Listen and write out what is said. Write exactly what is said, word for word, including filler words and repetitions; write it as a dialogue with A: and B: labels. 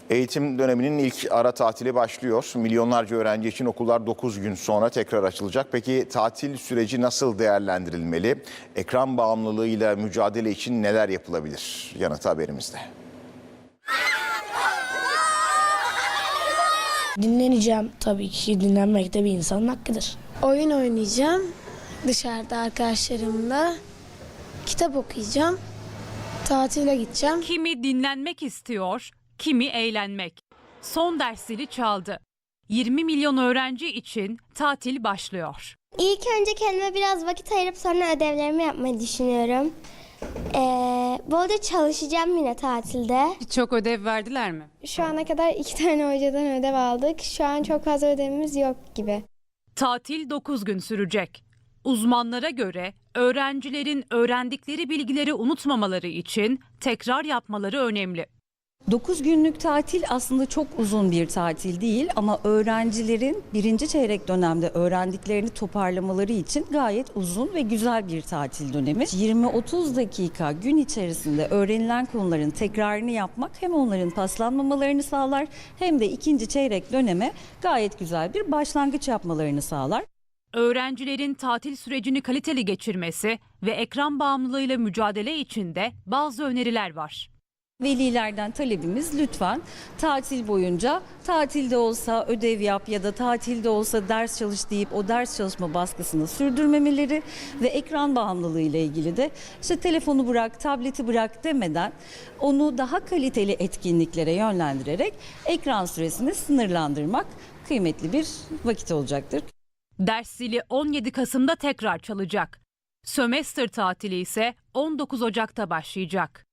A: Eğitim döneminin ilk ara tatili başlıyor. Milyonlarca öğrenci için okullar dokuz gün sonra tekrar açılacak. Peki tatil süreci nasıl değerlendirilmeli? Ekran bağımlılığıyla mücadele için neler yapılabilir? Yanıtı haberimizde.
B: Dinleneceğim tabii ki. Dinlenmek de bir insanın hakkıdır.
C: Oyun oynayacağım dışarıda arkadaşlarımla. Kitap okuyacağım. Tatile gideceğim.
D: Kimi dinlenmek istiyor, kimi eğlenmek. Son dersleri çaldı. yirmi milyon öğrenci için tatil başlıyor.
E: İlk önce kendime biraz vakit ayırıp sonra ödevlerimi yapmayı düşünüyorum. Ee, bu arada çalışacağım yine tatilde.
F: Çok ödev verdiler mi?
C: Şu ana kadar iki tane hocadan ödev aldık. Şu an çok fazla ödevimiz yok gibi.
D: Tatil dokuz gün sürecek. Uzmanlara göre öğrencilerin öğrendikleri bilgileri unutmamaları için tekrar yapmaları önemli.
G: dokuz günlük tatil aslında çok uzun bir tatil değil ama öğrencilerin birinci çeyrek dönemde öğrendiklerini toparlamaları için gayet uzun ve güzel bir tatil dönemi. yirmi otuz dakika gün içerisinde öğrenilen konuların tekrarını yapmak hem onların paslanmamalarını sağlar hem de ikinci çeyrek döneme gayet güzel bir başlangıç yapmalarını sağlar.
D: Öğrencilerin tatil sürecini kaliteli geçirmesi ve ekran bağımlılığıyla mücadele için de bazı öneriler var.
G: Velilerden talebimiz lütfen tatil boyunca tatilde olsa ödev yap ya da tatilde olsa ders çalış deyip o ders çalışma baskısını sürdürmemeleri ve ekran bağımlılığı ile ilgili de işte telefonu bırak, tableti bırak demeden onu daha kaliteli etkinliklere yönlendirerek ekran süresini sınırlandırmak kıymetli bir vakit olacaktır.
D: Ders zili on yedi Kasım'da tekrar çalacak. Sömestr tatili ise on dokuz Ocak'ta başlayacak.